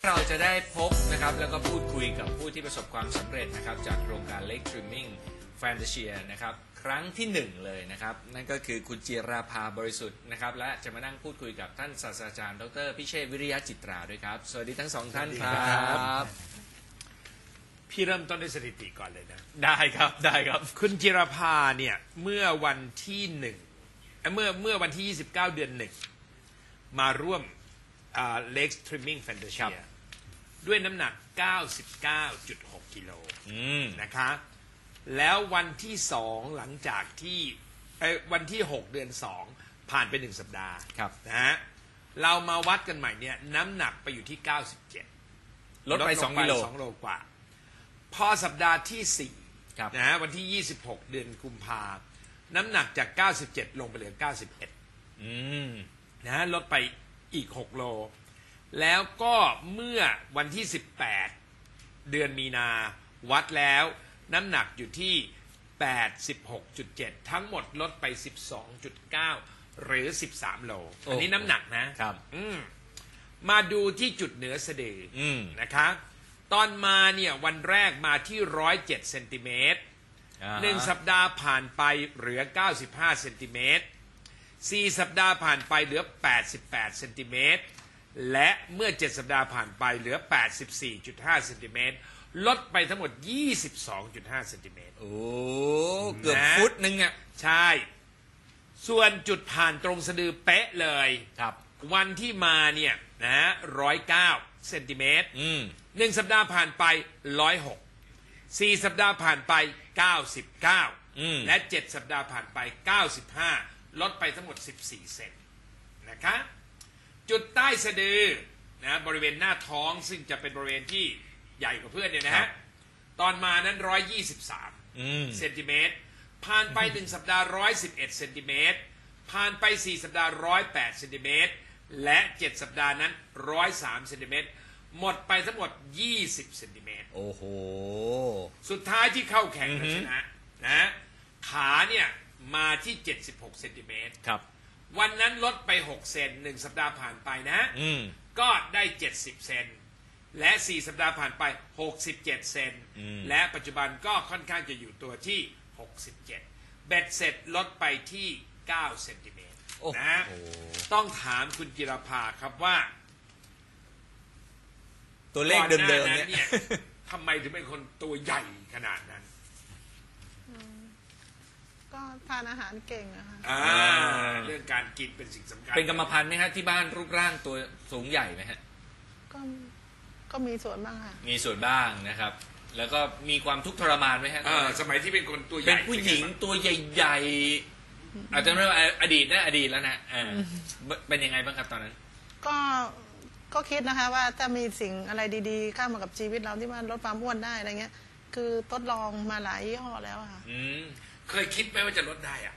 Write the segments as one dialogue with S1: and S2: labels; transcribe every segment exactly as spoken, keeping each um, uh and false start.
S1: เราจะได้พบนะครับแล้วก็พูดคุยกับผู้ที่ประสบความสำเร็จนะครับจากโครงการ Lake Dreaming Fantasia นะครับครั้งที่หนึ่งเลยนะครับนั่นก็คือคุณจิราภาบริสุทธิ์นะครับและจะมานั่งพูดคุยกับท่านศาสตราจารย์ดรพิเชษฐ์วิริยะจิตราด้วยครับสวัสดีทั้งสองท่านครับ
S2: พี่เริ่มต้นด้วยสถิติก่อนเลยนะ
S1: ได้ครับได้ครับ
S2: คุณจิรภาเนี่ยเมื่อวันที่หนึ่งเมื่อเมื่อวันที่ยี่สิบเก้าเดือนหนึ่งมาร่วมอ่า Lake Dreaming Fantasia ด้วยน้ำหนัก เก้าสิบเก้าจุดหก กิโลนะคะแล้ววันที่สองหลังจากที่วันที่หกเดือนสองผ่านไปหนึ่งสัปดาห์นะฮะเรามาวัดกันใหม่เนี่ยน้ำหนักไปอยู่ที่เก้าสิบเจ็ด
S1: ลดไปสองกิโล
S2: สองโลกว่าพอสัปดาห์ที่สี่นะฮะวันที่ยี่สิบหกเดือนกุมภาน้ำหนักจากเก้าสิบเจ็ดลงไปเหลือเก้าสิบเอ็ด
S1: อืม
S2: นะฮะลดไปอีกหกโลแล้วก็เมื่อวันที่สิบแปดเดือนมีนาวัดแล้วน้ำหนักอยู่ที่ แปดสิบหกจุดเจ็ด ทั้งหมดลดไป สิบสองจุดเก้า หรือสิบสามโลอันนี้น้ำหนักนะครับอืมมาดูที่จุดเหนือสะดือนะคะตอนมาเนี่ยวันแรกมาที่หนึ่งร้อยเจ็ดเซนติเมตรหนึ่งสัปดาห์ผ่านไปเหลือเก้าสิบห้าเซนติเมตรสี่สัปดาห์ผ่านไปเหลือแปดสิบแปดเซนติเมตรและเมื่อเจ็ดสัปดาห์ผ่านไปเหลือ แปดสิบสี่จุดห้า เซนติเมตรลดไปทั้งหมด ยี่สิบสองจุดห้า เซนติเมตร
S1: โอ้เกือบฟุตนึงอ่ะ
S2: ใช่ส่วนจุดผ่านตรงสะดือเป๊ะเลย
S1: ครับ
S2: วันที่มาเนี่ยนะหนึ่งร้อยเก้าเซนติเมตรหนึ่งสัปดาห์ผ่านไปหนึ่งร้อยหกสี่สัปดาห์ผ่านไปเก้าสิบเก้าและเจ็ดสัปดาห์ผ่านไปเก้าสิบห้าลดไปทั้งหมดสิบสี่เซนนะคะจุดใต้สะดือนะบริเวณหน้าท้องซึ่งจะเป็นบริเวณที่ใหญ่กว่าเพื่อนเนี่ยนะฮะตอนมานั้นหนึ่งร้อยยี่สิบสามเซนติเมตรผ่านไปหนึ่งสัปดาห์หนึ่งร้อยสิบเอ็ดเซนติเมตรผ่านไปสี่สัปดาห์หนึ่งร้อยแปดเซนติเมตรและเจ็ดสัปดาห์นั้นหนึ่งร้อยสามเซนติเมตรหมดไปทั้งหมดยี่สิบเซนติเมตร
S1: โอ้โห
S2: สุดท้ายที่เข้าแข่งชนะนะขาเนี่ยมาที่เจ็ดสิบหกเซนติเมตร
S1: ครับ
S2: วันนั้นลดไปหกเซนหนึ่งสัปดาห์ผ่านไปนะก็ได้เจ็ดสิบเซนและสี่สัปดาห์ผ่านไปหกสิบเจ็ดเซนและปัจจุบันก็ค่อนข้างจะอยู่ตัวที่หกสิบเจ็ดเบ็ดเสร็จลดไปที่เก้าเซนติเมตรนะต้องถามคุณจิรภาครับว่า
S1: ตัวเลขเดิมๆเนี่ย
S2: ทำไมถึงเป็นคนตัวใหญ่ขนาดนั้น
S3: ก็ทานอาหารเก่งอะค่ะ
S2: เรื่องการกินเป็นสิ่งสำคัญ
S1: เป็นกรรมพันธุ์ไหมฮะที่บ้านรูปร่างตัวสูงใหญ่ไหมฮะ
S3: ก็ก็มีส่วนบ้างค่ะ
S1: มีส่วนบ้างนะครับแล้วก็มีความทุกข์ทรมานไหมฮะ
S2: สมัยที่เป็นคนตัวใหญ่
S1: เป็นผู้หญิงตัวใหญ่ๆอาจจะไม่ว่าอดีตนะอดีตแล้วนะเป็นยังไงบ้างครับตอนนั้น
S3: ก็ก็คิดนะคะว่าถ้ามีสิ่งอะไรดีๆเข้ามากับชีวิตเราที่ว่าลดความอ้วนได้อะไรเงี้ยคือทดลองมาหลายยี่ห้อแล้วค่ะ
S2: เคยคิดไหมว่าจะลดได้อ่ะ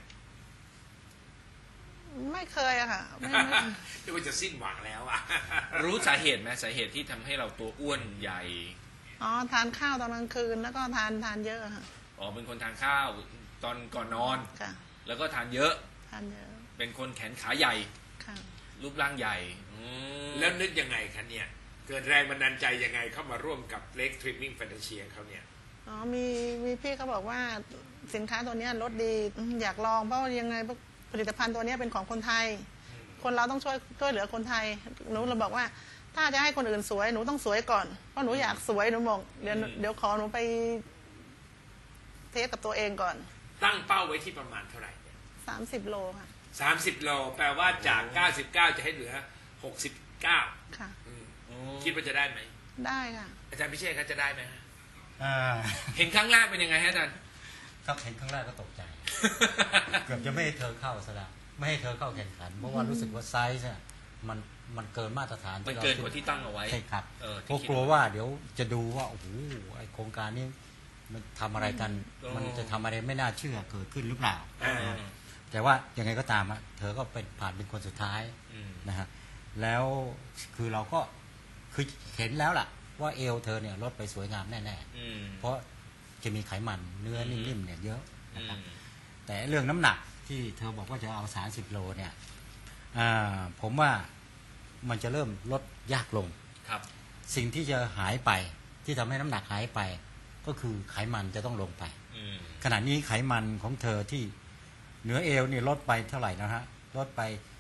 S3: ไม่เคยอะค่ะไม่
S2: คิดว่าจะสิ้นหวังแล้วอ่ะ
S1: รู้สาเหตุไหมสาเหตุที่ทำให้เราตัวอ้วนใหญ่
S3: อ๋อทานข้าวตอนกลางคืนแล้วก็ทานทานเยอะค่ะ
S1: อ๋อเป็นคนทานข้าวตอนก่อนนอน
S3: ค่ะ
S1: แล้วก็ทานเยอะ
S3: ทานเยอะ
S1: เป็นคนแขนขาใหญ่
S3: ค่ะ
S1: รูปร่างใหญ่
S2: แล้วนึกยังไงคะเนี่ยเกิดแรงบันดาลใจยังไงเข้ามาร่วมกับ Lake Dreaming Fantasia เขาเนี่ย
S3: อ๋อมีมีพี่เขาบอกว่าสินค้าตัวนี้ลดดีอยากลองเพราะยังไงผลิตภัณฑ์ตัวนี้เป็นของคนไทยคนเราต้องช่วยช่วยเหลือคนไทยหนูเราบอกว่าถ้าจะให้คนอื่นสวยหนูต้องสวยก่อนเพราะหนูอยากสวยหนูบอกเดี๋ยวเดี๋ยวขอหนูไปเทสกับตัวเองก่อน
S2: ตั้งเป้าไว้ที่ประมาณเท่าไหร่
S3: สามสิบโลค่ะ
S2: สามสิบโลแปลว่าจากเก้าสิบเก้าจะให้เหลือหกสิบเก้า
S3: ค่ะ
S2: คิดว่าจะได้ไหม
S3: ได้ค่ะ
S2: อาจารย์พิเชษเขาจะได้ไหมฮะ
S1: เห็นครั้งแรกเป็นยังไงฮะอาจารย์
S4: ครับเห็นครั้งแรกก็ตกใจเกือบจะไม่ให้เธอเข้าซะแล้วไม่ให้เธอเข้าแข่งขันเพราะว่ารู้สึกว่าไซส์เนี่ยมันมันเกินมาตรฐาน
S1: มันเกินกว่าที่ตั้งเอาไว้
S4: ใช่ครับเพราะกลัวว่าเดี๋ยวจะดูว่าโอ้โหไอโครงการนี้มันทำอะไรกันมันจะทำอะไรไม่น่าเชื่อเกิดขึ้นหรือเปล่าแต่ว่ายังไงก็ตามอะเธอก็เป็นผ่านเป็นคนสุดท้ายนะฮะแล้วคือเราก็คือเห็นแล้วล่ะว่าเอวเธอเนี่ยลดไปสวยงามแน่ๆเพราะจะมีไขมันเนื้อนิ่มๆเนี่ยเยอะนะครับแต่เรื่องน้ำหนักที่เธอบอกว่าจะเอาสามสิบโลเนี่ยผมว่ามันจะเริ่มลดยากลง
S1: ครับ
S4: สิ่งที่จะหายไปที่ทำให้น้ำหนักหายไป ก็คือไขมันจะต้องลงไป
S1: อืม
S4: ขณะนี้ไขมันของเธอที่เหนือเอวนี่ลดไปเท่าไหร่นะฮะลดไป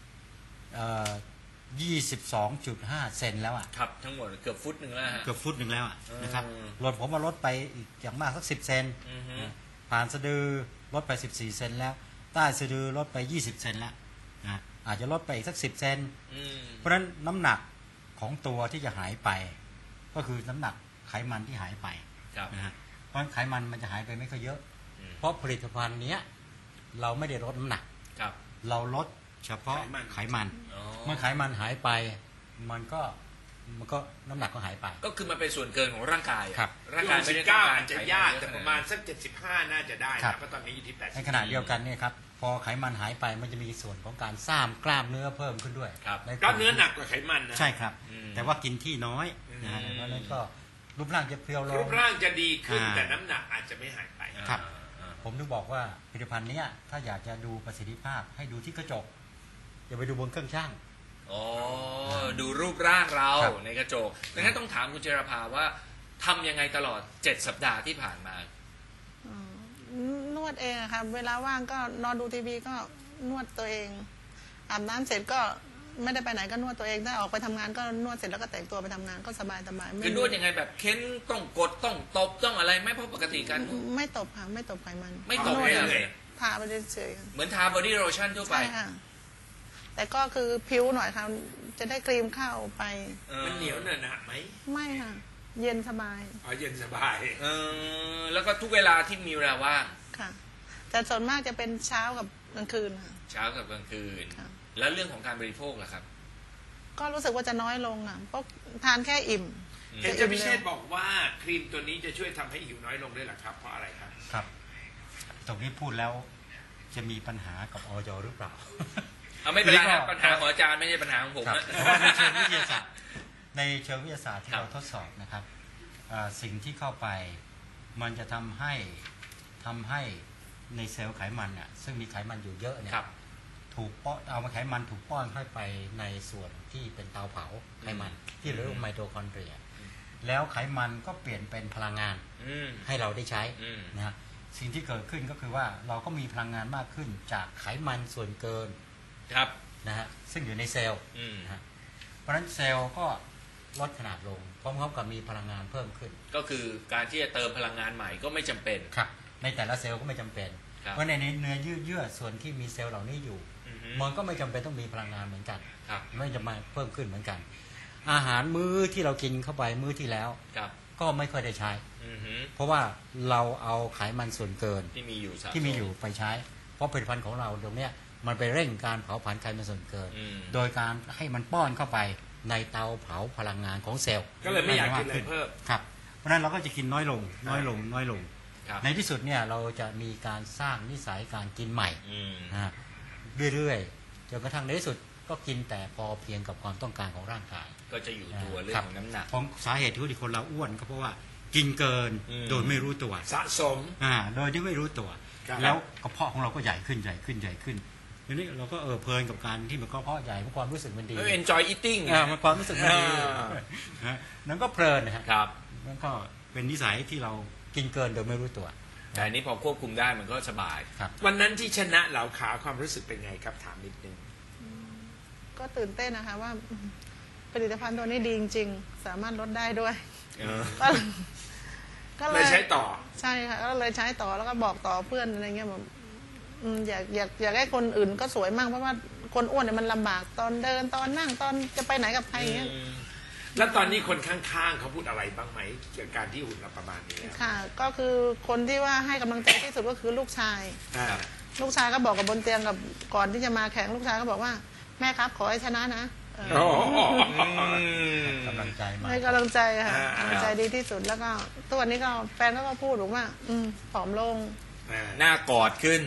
S4: ยี่สิบสองจุดห้าเซนแล้วอ่ะ
S1: ครับทั้งหมดเกือบฟุตหนึ่งแล้วฮะ
S4: เกือบฟุตหนึ่งแล้วอ่ะ
S1: เออ
S4: นะครับลดผมมาลดไปอีกอย่างมากสักสิบเซน
S1: อือฮึ
S4: ผ่านสะดือลดไปสิบสี่เซนแล้วใต้สะดือลดไปยี่สิบเซนแล้วนะอาจจะลดไปอีกสักสิบเซน
S1: อืม
S4: เพราะฉะนั้นน้ำหนักของตัวที่จะหายไป ก็คือน้ำหนักไขมันที่หายไป
S1: ครับ
S4: นะฮะเพราะฉะนั้นไขมันมันจะหายไปไม่ค่อยเยอะ
S1: อืม
S4: เพราะผลิตภัณฑ์เนี้ยเราไม่ได้ลดน้ำหนัก
S1: ครับ
S4: เราลดเฉพาะ
S2: ไขมัน
S4: ไขมัน
S1: อ๋อ
S4: เมื่อไขมันหายไป มันก็มันก็น้ำหนักก็หายไป
S1: ก็คือมันเป็นส่วนเกินของร่างกายอะ
S4: ครับ
S1: ร่าง
S2: ที่
S1: กาย
S2: หก
S1: ไม่
S2: สิ
S1: ได้
S2: บ
S1: ต้อ
S2: เก้าง
S1: การ
S2: อาจจะ
S1: ไขน
S2: ยาก
S1: เอะ
S2: แต่
S1: ข
S2: ป
S1: นด
S2: ระมาณสักเจ็ดสิบห้าน่าจะได้
S4: ครั
S2: นะ
S4: บ
S2: เพราะตอนนี้อยู่ที่แปดสิบ
S4: ในขณะเดียวกันเนี่ยครับพอไขมันหายไปมันจะมีส่วนของการสร้างกล้ามเนื้อเพิ่มขึ้นด้วย
S1: ครับ
S4: ใน
S2: กล้ามเนื้อหนักกว่าไขมันนะ
S4: ใช่ครับ
S1: อืม
S4: แต่ว่ากินที่น้อยนะฮะ
S1: อืม
S4: เพราะฉะนั้นก็รูปร่างจะเพรียวล
S2: รู
S4: ง
S2: ปร่างจะดีขึ้น
S4: อ่า
S2: แต่น้ำหนักอาจจะไม่หายไป
S4: ครับ
S1: อ่า
S4: ผมถึงบอกว่าผลิตภัณฑ์เนี้ยถ้าอยากจะดูประสิทธิภาพให้ดูที่กระจกอย่าไปดูบนเครื่องช่าง
S1: อ๋อดูรูปร่างเรา
S4: ครับ
S1: ในกระจกดังนั้นต้องถามคุณเจรภาว่าทำยังไงตลอดเจ็ดสัปดาห์ที่ผ่านมา
S3: อ๋อนวดเองอะค่ะเวลาว่างก็นอนดูทีวีก็นวดตัวเอง อาบน้ำเสร็จก็ไม่ได้ไปไหนก็นวดตัวเองถ้าออกไปทำงานก็นวดเสร็จแล้วก็แต่งตัวไปทำงานก็สบายสบายไม่
S1: คือนวดยังไงแบบเค้นต้องกดต้องตบต้องอะไรไหม่เพราะปกติการนวด
S3: ไม่ตบค่ะไม่ตบไขมัน
S1: ไม่ตบ
S3: นวด
S1: เลย
S3: ทาไปเฉย
S1: เหมือนทาบอดี้โลชั่นทั่ว
S3: ๆ
S1: ไป
S3: ใช่ค่ะ แต่ก็คือผิวหน่อยค่ะจะได้ครีมเข้าไป
S1: ออ
S2: มันเหนียวหนะไหม
S3: ไม่ค่ะ เย็นสบาย
S2: อ๋อเย็นสบาย
S1: เออแล้วก็ทุกเวลาที่มีเวลาว่าง
S3: ค่ะ แต่ส่วนมากจะเป็นเช้ากับกลางคืนค่ะ
S1: เช้ากับกลางคืน
S3: ครับ
S1: แล้วเรื่องของการบริโภคล่ะครับ
S3: ก็รู้สึกว่าจะน้อยลงอ่ะเพราะทานแค่อิ่ม
S1: อืม
S2: เห็นเจะพิเชษบอกว่าครีมตัวนี้จะช่วยทำให้หิวน้อยลงด้วยเหรอครับ เพราะอะไรครับ
S4: ครับตรงนี้พูดแล้วจะมีปัญหากับออยหรือเปล่า
S1: เอาไม่เป็นไร
S4: หรือ
S1: นะ
S4: ก็
S1: ปัญหาของอาจารย์ไม่ใช่ปัญหาของผม
S4: ครับ
S1: นะ
S4: เพราะว่าในเชิงวิทยาศาสตร์ในเชิงวิทยาศาสตร์ที่
S1: ครับ
S4: เราทดสอบนะครับอ่าสิ่งที่เข้าไปมันจะทำให้ทำให้ในเซลล์ไขมันน่ะซึ่งมีไขมันอยู่เยอะเนี่ย
S1: ครับ
S4: ถูกป้อนเอามาไขมันถูกป้อนเข้าไปในส่วนที่เป็นเตาเผาไขมัน ที่เรียกว่าไมโทคอนเดรีย แล้วไขมันก็เปลี่ยนเป็นพลังงาน
S1: อืม
S4: ให้เราได้ใช้
S1: อืม
S4: นะฮะสิ่งที่เกิดขึ้นก็คือว่าเราก็มีพลังงานมากขึ้นจากไขมันส่วนเกิน
S1: ครับ
S4: นะฮะซึ่งอยู่ในเซลล์
S1: อืม
S4: นะฮะเพราะฉะนั้นเซลล์ก็ลดขนาดลงพร้อมๆกับมีพลังงานเพิ่มขึ้น
S1: ก็คือการที่จะเติมพลังงานใหม่ก็ไม่จำเป็น
S4: ครับในแต่ละเซลล์ก็ไม่จำเป็น
S1: ครับ
S4: เพราะในเนื้อเยื่อเยื่อส่วนที่มีเซลล์เหล่านี้อยู่
S1: อือฮึ
S4: มันก็ไม่จำเป็นต้องมีพลังงานเหมือนกัน
S1: ครับ
S4: ไม่จะมาเพิ่มขึ้นเหมือนกัน อาหารมื้อที่เรากินเข้าไปมื้อที่แล้ว
S1: ครับ
S4: ก็ไม่ค่อยได้ใช้
S1: อือฮึ
S4: เพราะว่าเราเอาไขมันส่วนเกิน
S1: ที่มีอยู่สะส
S4: ที่มีอยู่ไปใช้ เพราะผลิตภัณฑ์ของเราตรงเนี้ยมันไปเร่งการเผาผลาญไขมันส่วนเกิน
S1: อืม
S4: โดยการให้มันป้อนเข้าไปในเตาเผาพลังงานของเซลล์
S2: ก็เลยไม่อยากกินอะไรเพิ่ม
S4: ครับเพราะฉะนั้นเราก็จะกินน้อยลง น้อยลง น้อยลง
S1: ครับ
S4: ในที่สุดเนี่ยเราจะมีการสร้างนิสัยการกินใหม่
S1: อืม
S4: นะฮะเรื่อยๆจนกระทั่งในที่สุดก็กินแต่พอเพียงกับความต้องการของร่างกาย
S1: ก็จะอยู่ตัวเรื่องของน้ำหนัก
S4: ของสาเหตุที่คนเราอ้วนก็เพราะว่ากินเกิน
S1: อืม
S4: โดยไม่รู้ตัว
S2: สะสม
S4: อ่าโดยที่ไม่รู้ตัว
S2: ครับ
S4: แล้วกระเพาะของเราก็ใหญ่ขึ้นใหญ่ขึ้นใหญ่ขึ้นทีนี้เราก็เออเพลินกับการที่มันกระเพาะใหญ่เพราะความรู้สึกมันดี
S1: เออ enjoy eating
S4: อ่ามันความรู้สึกมันดี
S1: อ่า
S4: นะฮะนั่นก็เพลินนะฮะ
S1: ครับ
S4: นั่นก็เป็นนิสัยที่เรากินเกินโดยไม่รู้ตัว
S1: แต่อันนี้พอควบคุมได้มันก็สบาย
S4: ครับ
S2: วันนั้นที่ชนะเหลาขาวความรู้สึกเป็นไงครับถามนิดนึง
S3: ก็ตื่นเต้นนะคะว่าผลิตภัณฑ์ตัวนี้ดีจริงๆ สามารถลดได้ด้วย
S1: เออ
S3: ก็ก็
S2: เลยใช้ต่อ
S3: ใช่ค่ะก็เลยใช้ต่อแล้วก็บอกต่อเพื่อนอะไรเงี้ยแบบอืมอยากอยากอยากให้คนอื่นก็สวยมากเพราะว่าคนอ้วนเนี่ยมันลำบากตอนเดินตอนนั่งตอนจะไปไหนกับใครอย่างเงี้ย
S2: แล้วตอนนี้คนข้างๆเขาพูดอะไรบ้างไหมเกี่ยวกับการที่หุ่นเราประมาณนี้แล้ว
S3: ค่ะ ก็คือคนที่ว่าให้กำลังใจที่สุดก็คือลูกชาย
S2: อ่า
S3: ลูกชายก็บอกกับบนเตียงกับก่อนที่จะมาแข่งลูกชายก็บอกว่าแม่ครับขอให้ชนะนะเออ
S2: โอ้โห
S4: กำลังใจมา
S3: ให้กำลังใจค่ะ
S2: อ่าก
S3: ำลังใจดีที่สุดแล้วก็ตัวนี้ก็แฟนก็พูดบอกว่า อืมผอมลง
S2: อ่า
S1: หน้ากอดขึ้น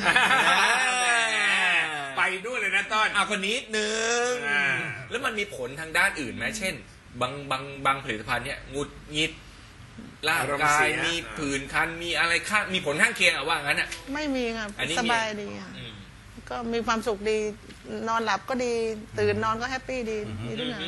S2: ไปด้วยเลยนะต้น
S1: เอาคนนี้นึง
S2: อ่า
S1: แล้วมันมีผลทางด้านอื่นไหมเช่น บางบางบางผลิตภัณฑ์เนี่ยหงุดหงิดร่างกายมีผื่นคันมีอะไรข้างมีผลข้างเคียงอะว่างั้นอะ
S3: ไม่มีค่ะ
S1: อันนี้มี
S3: สบายดีค่ะ
S1: อืม
S3: ก็มีความสุขดีนอนหลับก็ดี ตื่นนอนก็แฮปปี้ดีดีทุกอย่าง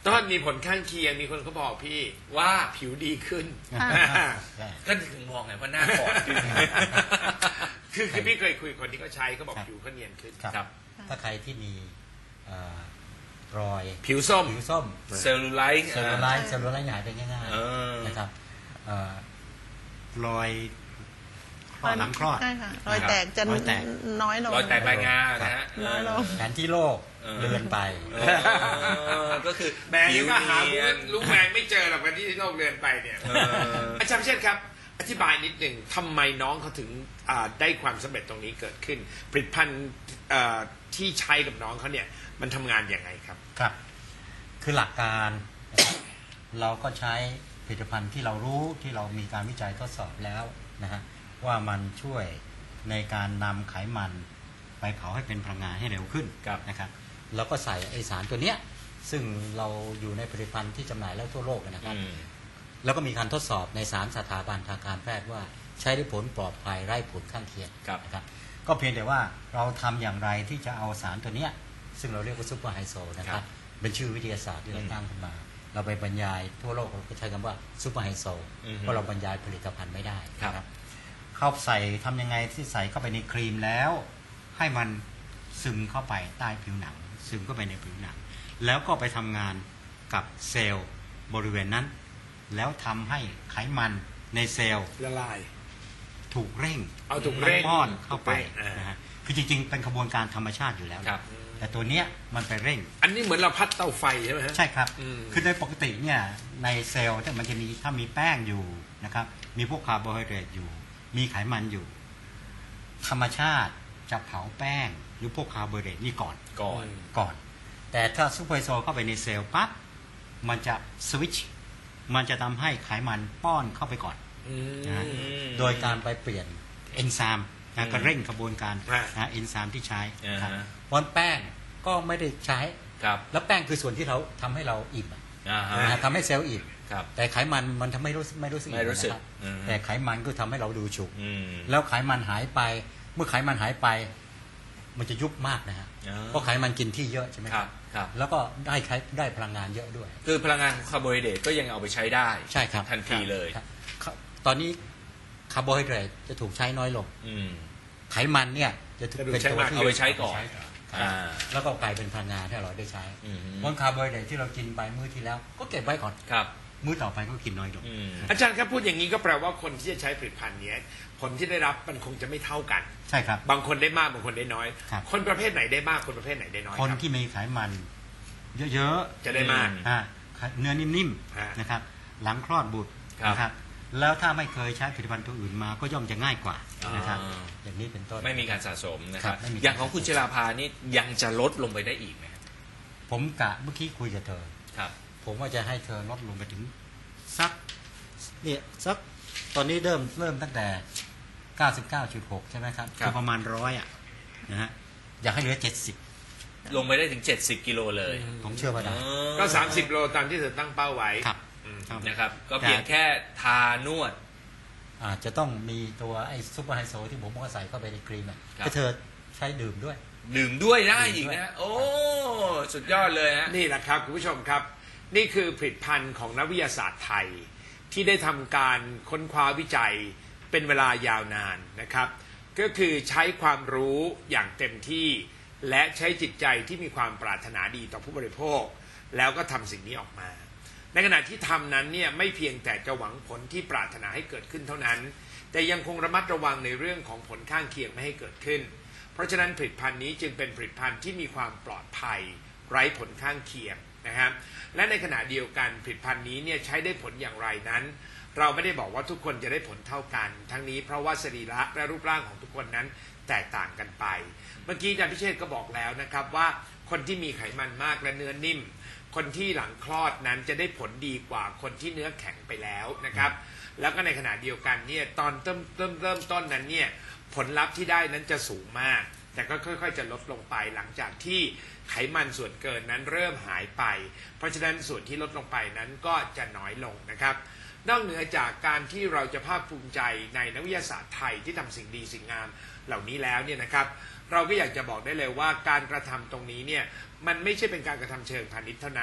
S2: ต้นมีผลข้างเคียงมีคนเขาบอกพี่
S1: ว่า
S2: ผิวดีขึ้น
S4: ใช่
S1: ก็ถึงมองไงว่าหน้าอ่อนขึ้น
S2: คือคือพี่เคยคุยกับคนที่เขาใช้เขาบอก
S4: ครับ
S2: ผิวเขาเนียนขึ้น
S4: ครับ
S1: ครับ
S4: ถ้าใครที่มีเอ่อรอย
S2: ผิวส้ม
S4: ผิวส้ม
S1: เซลลูไลท์
S4: เซลลูไลท์เซลลูไลท์หายไปง่าย
S1: เออ
S4: ๆนะครับเอ่อรอยคลอดหลังคลอด
S3: ใช่ค่ะรอยแตกจะ
S4: รอยแตก
S3: น้อยลง
S1: รอยแตกใบงานะฮะ
S3: น้อยลง
S4: แผนที่โลก
S1: เออ
S4: เดินไป
S1: เออก็คือ
S2: แมง
S1: ผิว
S2: ก็หา
S1: เนียน
S2: ลูกแมงไม่เจอหรอกวันที่โลกเดินไปเนี่ย
S1: เออ
S2: อาจารย์พิเชษครับ อธิบายนิดหนึ่งทำไมน้องเขาถึงอ่าได้ความสำเร็จตรงนี้เกิดขึ้น ผลิตภัณฑ์อ่าที่ใช้กับน้องเขาเนี่ยมันทำงานอย่างไรครับ
S4: ครับ คือหลักการนะครับเราก็ใช้ผลิตภัณฑ์ที่เรารู้ที่เรามีการวิจัยทดสอบแล้วนะฮะว่ามันช่วยในการนำไขมันไปเผาให้เป็นพลังงานให้เร็วขึ้น
S1: ครับ
S4: นะครับเราก็ใส่ไอสารตัวเนี้ยซึ่งเราอยู่ในผลิตภัณฑ์ที่จำหน่ายแล้วทั่วโลกนะครับ
S1: อืม
S4: แล้วก็มีการทดสอบในสามสถาบันทางการแพทย์ว่าใช้ได้ผลปลอดภัยไร้ผลข้างเคียง
S1: ครับ
S4: นะครับก็เพียงแต่ว่าเราทำอย่างไรที่จะเอาสารตัวเนี้ยซึ่งเราเรียกว่าซูเปอร์ไฮโซนะค
S1: ครั
S4: รับบ เป็นชื่อวิทยาศาสตร์ที่เราตั้งขึ้นมา เราไปบรรยายทั่วโลกเราก็ใช้คำว่าซูเปอร์ไฮโซ
S1: อือฮึ
S4: เพราะเราบรรยายผลิตภัณฑ์ไม่ได้
S1: ครับ
S4: นะเข้าใส่ทำยังไงที่ใส่เข้าไปในครีมแล้ว ให้มันซึมเข้าไปใต้ผิวหนัง ซึมเข้าไปในผิวหนัง แล้วก็ไปทำงานกับเซลล์บริเวณนั้น แล้วทำให้ไขมันในเซลล์
S2: ละลาย
S4: ถูกเร่ง
S2: เอาถูกเร่ง
S4: ป้อนเข้าไป
S2: ถูกเร่งอ่าน
S4: นะฮะคือจริงๆ เป็นกระบวนการธรรมชาติอยู่แล้ว
S1: ครับ
S4: แต่ตัวเนี้ยมันไปเร่ง
S2: อันนี้เหมือนเราพัดเตาไฟใช่ไหมฮะ
S4: ใช่ครับ
S2: อืม
S4: คือโดยปกติเนี่ยในเซลล์ถ้ามันจะมีถ้ามีแป้งอยู่นะครับ มีพวกคาร์โบไฮเดรตอยู่ มีไขมันอยู่ ธรรมชาติจะเผาแป้งหรือพวกคาร์โบไฮเดรตนี่ก่อน
S1: ก่อน
S4: ก่อน แต่ถ้าซูเปอร์ไฮโซเข้าไปในเซลล์ปั๊บ มันจะสวิตช์ มันจะทำให้ไขมันป้อนเข้าไปก่อน
S2: อืม
S4: นะฮะ
S1: อืม
S4: โดยการไปเปลี่ยนเอนไซม์นะก็เร่งกระบวนการ
S2: อ่า
S4: นะเอนไซม์ที่ใช้นะครับ
S1: อ่าฮะ
S4: เพราะแป้งก็ไม่ได้ใช้
S1: ครับ
S4: แล้วแป้งคือส่วนที่เราทำให้เราอิ่มอะ
S1: อ่าฮะ
S4: นะฮะทำให้เซลล์อิ่ม
S1: ครับ
S4: แต่ไขมันมันทำให้รู้สึกไม่รู้สึก
S1: ไม่รู้สึก
S4: อิ่นะคบ
S1: อืม
S4: แต่ไขมันก็ทำให้เราดูฉุก
S1: อืม
S4: แล้วไขมันหายไป เมื่อไขมันหายไป มันจะยุบมากนะฮะ
S1: อ๋อ
S4: เพราะไขมันกินที่เยอะใช่ไหม
S1: ครับครับ
S4: แล้วก็ได้ไขได้พลังงานเยอะด้วย
S1: คือพลังงานของคาร์โบไฮเดรตก็ยังเอาไปใช้ได้
S4: ใช่ครับ
S1: ทันทีเลย
S4: ครับครับตอนนี้คาร์โบไฮเดรตจะถูกใช้น้อยลง
S1: อืม
S4: ไขมันเนี่ยจะถูก
S2: จะถูก
S4: เป็น
S2: ใช้
S4: ตัว
S2: มาก
S4: ที่
S1: เอาไปใช้ก่อน
S4: ครับ
S1: อ่า
S4: แล้วก็กลายเป็นพลังงานที่เราได้ใช้
S1: อืม
S4: เพราะคาร์โบไฮเดรตที่เรากินไปมื้อที่แล้ว ก็เก็บไว้ก่อน
S1: ครับ
S4: มื้อต่อไปก็กินน้อยลง
S1: อืม
S2: อาจารย์ครับพูดอย่างนี้ก็แปลว่าคนที่จะใช้ผลิตภัณฑ์เนี้ยผลที่ได้รับมันคงจะไม่เท่ากัน
S4: ใช่ครับ
S2: บางคนได้มากบางคนได้น้อย
S4: ครับ
S2: คนประเภทไหนได้มากคนประเภทไหนได้น้อย
S4: คน
S2: รับ
S4: ที่มีไขมัน เยอะๆ
S2: จะได้มาก
S1: อืม
S4: อ่าเนื้อนิ่ม
S2: อ่า
S4: ๆนะครับ หลังคลอดบุตร
S1: ครับ
S4: นะครับ แล้วถ้าไม่เคยใช้ผลิตภัณฑ์ตัวอื่นมาก็ย่อมจะง่ายกว่านะครับ
S1: อ่า
S4: อย่างนี้เป็นต้น
S1: ไม่มีการสะสมนะค
S4: ครั
S1: รับบ
S4: ไม่มีการ
S1: อย่างของคุณจิราภานี่ยังจะลดลงไปได้อีกไหมครับ
S4: ผมกะเมื่อกี้คุยกับเธอ
S1: ครับ
S4: ผมว่าจะให้เธอลดลงไปถึงสักเนี่ยสักตอนนี้เริ่มเริ่มตั้งแต่ เก้าสิบเก้าจุดหก ใช่ไหมครับ
S1: ครับ
S4: อประมาณร้อยอ่ะนะฮะอยากให้เหลือเจ็ดสิบ
S1: ลงไปได้ถึงเจ็ดสิบกิโลเลย
S4: ผมเชื่อว่าได้
S2: ก็สามสิบโลตามที่เธอตั้งเป้าไว้
S4: ครับ
S2: อืม
S4: ครับ
S1: นะครับ ก็เพียงแค่ทานวด
S4: อาจจะต้องมีตัวไอ้ซูเปอร์ไฮโซที่ผมบอกว่าใส่เข้าไปในครีมอ่ะ
S1: ครับ
S4: ให้เธอใช้ดื่มด้วย
S1: ดื่มด้วยได้
S4: ดื่
S1: อี
S4: ม
S1: ก
S4: ด้วย
S1: นะ โอ้ สุดยอดเลยฮะ
S2: นี่แหละครับคุณผู้ชมครับ นี่คือผลิตภัณฑ์ของนักวิทยาศาสตร์ไทย ที่ได้ทำการค้นคว้าวิจัยเป็นเวลายาวนานนะครับ ก็คือใช้ความรู้อย่างเต็มที่ และใช้จิตใจที่มีความปรารถนาดีต่อผู้บริโภค แล้วก็ทำสิ่งนี้ออกมา ในขณะที่ทำนั้นเนี่ยไม่เพียงแต่จะหวังผลที่ปรารถนาให้เกิดขึ้นเท่านั้น แต่ยังคงระมัดระวังในเรื่องของผลข้างเคียงไม่ให้เกิดขึ้น เพราะฉะนั้นผลิตภัณฑ์นี้จึงเป็นผลิตภัณฑ์ที่มีความปลอดภัย ไร้ผลข้างเคียงนะครับ และในขณะเดียวกันผลิตภัณฑ์นี้เนี่ยใช้ได้ผลอย่างไรนั้น เราไม่ได้บอกว่าทุกคนจะได้ผลเท่ากัน ทั้งนี้เพราะว่าสรีระและรูปร่างของทุกคนนั้นแตกต่างกันไป เมื่อกี้อาจารย์พิเชษฐ์ก็บอกแล้วนะครับว่าคนที่มีไขมันมากและเนื้อนิ่ม คนที่หลังคลอดนั้นจะได้ผลดีกว่าคนที่เนื้อแข็งไปแล้วนะครับ แล้วก็ในขณะเดียวกันเนี่ยตอนเริ่มเริ่มเริ่มต้นนั้นเนี่ยผลลัพธ์ที่ได้นั้นจะสูงมาก แต่ก็ค่อยๆจะลดลงไปหลังจากที่ไขมันส่วนเกินนั้นเริ่มหายไป เพราะฉะนั้นส่วนที่ลดลงไปนั้นก็จะน้อยลงนะครับ นอกเหนือจากการที่เราจะภาคภูมิใจในนักวิทยาศาสตร์ไทยที่ทำสิ่งดีสิ่งงามเหล่านี้แล้วเนี่ยนะครับ เราก็อยากจะบอกได้เลยว่าการกระทำตรงนี้เนี่ยมันไม่ใช่เป็นการกระทำเชิงพาณิชย์เท่านั้น แ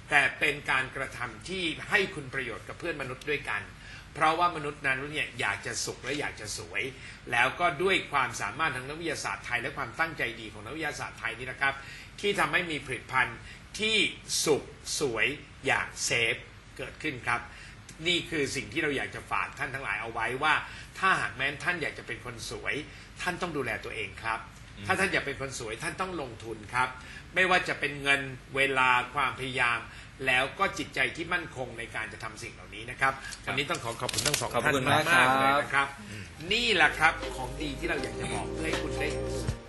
S2: แต่เป็นการกระทำที่ให้คุณประโยชน์กับเพื่อนมนุษย์ด้วยกัน เพราะว่ามนุษย์นั้นเนี่ยอยากจะสุขและอยากจะสวย แล้วก็ด้วยความสามารถทางนักวิทยาศาสตร์ไทยและความตั้งใจดีของนักวิทยาศาสตร์ไทยนี่นะครับที่ทำให้มีผลิตภัณฑ์ที่สุขสวยอย่างเซฟเกิดขึ้นครับนี่คือสิ่งที่เราอยากจะฝากท่านทั้งหลายเอาไว้ว่าถ้าหากแม้ท่านอยากจะเป็นคนสวยท่านต้องดูแลตัวเองครับถ้าท่านอยากเป็นคนสวยท่านต้องลงทุนครับไม่ว่าจะเป็นเงินเวลาความพยายามแล้วก็จิตใจที่มั่นคงในการจะทำสิ่งเหล่านี้นะครับวันนี้ต้องขอขอบคุณทั้งสอง
S1: ขอบ
S2: ท่าน
S1: คุณ
S2: มาม
S1: าก
S2: ก
S1: ครับ
S2: ๆเลยนะครับนี่แหละครับของดีที่เราอยากจะบอกเพื่อให้คุณได้